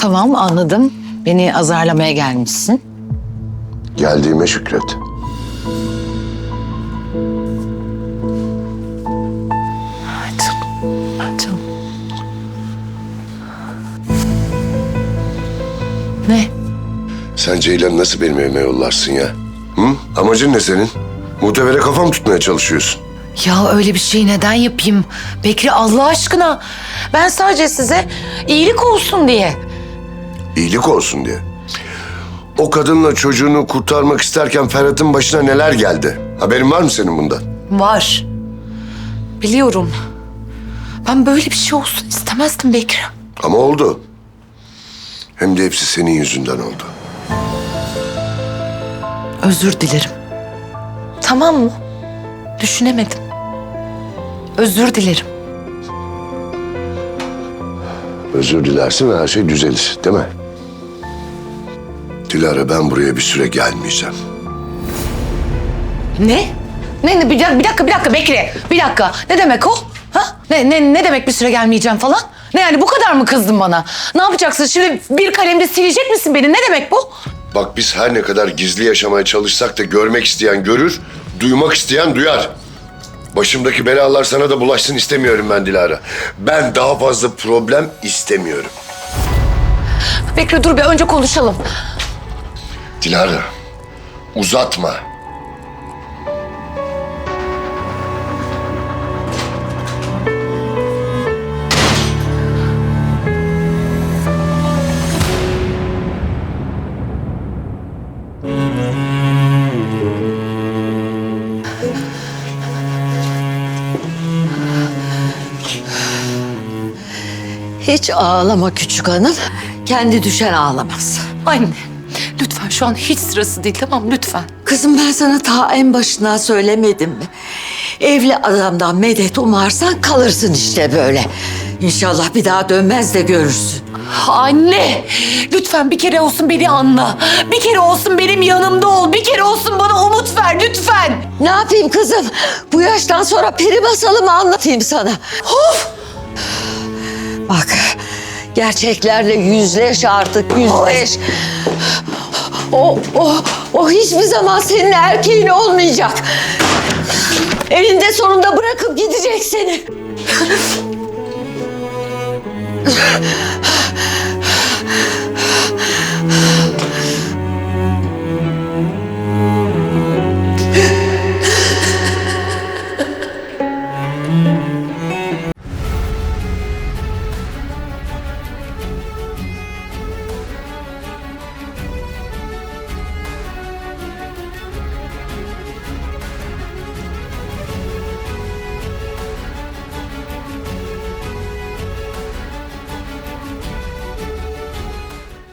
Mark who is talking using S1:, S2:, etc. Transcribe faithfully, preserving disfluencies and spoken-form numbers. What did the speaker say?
S1: Tamam, anladım. Beni azarlamaya gelmişsin.
S2: Geldiğime şükret.
S1: Canım, canım. Ne?
S2: Sen Ceylan'ı nasıl benim evime yollarsın ya? Hı? Amacın ne senin? Muhtevere kafam tutmaya çalışıyorsun.
S1: Ya öyle bir şey neden yapayım? Bekri, Allah aşkına. Ben sadece size iyilik olsun diye.
S2: İyilik olsun diye. O kadınla çocuğunu kurtarmak isterken Ferhat'ın başına neler geldi? Haberin var mı senin bundan?
S1: Var. Biliyorum. Ben böyle bir şey olsun istemezdim Bekri.
S2: Ama oldu. Hem de hepsi senin yüzünden oldu.
S1: Özür dilerim. Tamam mı? Düşünemedim. Özür dilerim.
S2: Özür dilersin ve her şey düzelir, değil mi? Dilara, ben buraya bir süre gelmeyeceğim.
S1: Ne? Ne, ne bir, dakika, bir dakika, bir dakika Bekri. Bir dakika. Ne demek o? Ha? Ne, ne, ne demek bir süre gelmeyeceğim falan? Ne yani, bu kadar mı kızdın bana? Ne yapacaksın şimdi, bir kalemde silecek misin beni? Ne demek bu?
S2: Bak, biz her ne kadar gizli yaşamaya çalışsak da görmek isteyen görür, duymak isteyen duyar. Başımdaki belalar sana da bulaşsın istemiyorum ben Dilara. Ben daha fazla problem istemiyorum.
S1: Bekri dur bir, önce konuşalım.
S2: Dilara, uzatma.
S3: Hiç ağlama küçük hanım. Kendi düşen ağlamaz.
S1: Anne, lütfen şu an hiç sırası değil, tamam mı? Lütfen.
S3: Kızım, ben sana ta en başından söylemedim mi? Evli adamdan medet umarsan kalırsın işte böyle. İnşallah bir daha dönmez de görürsün.
S1: Anne, lütfen bir kere olsun beni anla. Bir kere olsun benim yanımda ol. Bir kere olsun bana umut ver lütfen.
S3: Ne yapayım kızım? Bu yaştan sonra peri masalı mı anlatayım sana?
S1: Of!
S3: Bak, gerçeklerle yüzleş artık, yüzleş. O, o, o hiçbir zaman senin erkeğin olmayacak. Elinde sonunda bırakıp gidecek seni.